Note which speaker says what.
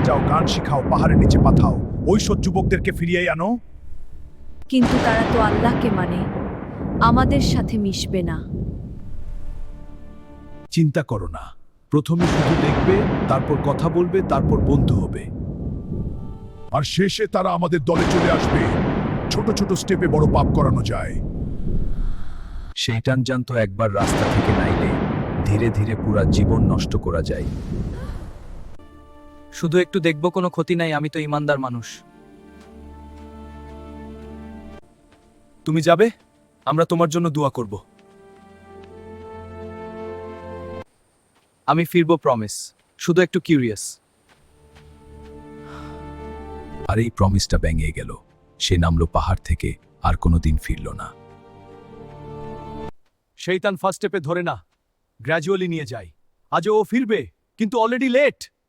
Speaker 1: সাজাও, গান শিখাও, পাহাড়ের নিচে পাঠাও, ওইসব যুবকদেরকে ফিরিয়ে আনো।
Speaker 2: কিন্তু তারা তো আল্লাহকে মানে, আমাদের সাথে মিশবে না।
Speaker 1: চিন্তা করো না, প্রথমে শুধু দেখবে, তারপর কথা বলবে, তারপর বন্ধু হবে, আর শেষে তারা আমাদের দলে চলে আসবে। ছোট ছোট স্টেপে বড় পাপ করানো যায়। শয়তান জানতো একবার রাস্তা থেকে নাইলে ধীরে ধীরে পুরা জীবন নষ্ট করা যায়।
Speaker 3: শুধু একটু দেখব, কোনো ক্ষতি নাই, আমি তো ইমানদার মানুষ।
Speaker 1: তুমি যাবে, আমরা তোমার জন্য দোয়া করব।
Speaker 3: আমি ফিরবো, প্রমিস। শুধু একটু কিউরিয়াস।
Speaker 1: আর এই প্রমিসটা ভেঙে গেল। সে নামলো পাহাড় থেকে, আর কোনোদিন ফিরল না। শয়তান ফার্স্ট স্টেপে ধরে না, গ্র্যাজুয়ালি নিয়ে যায়। আজও ও ফিরবে, কিন্তু অলরেডি লেট।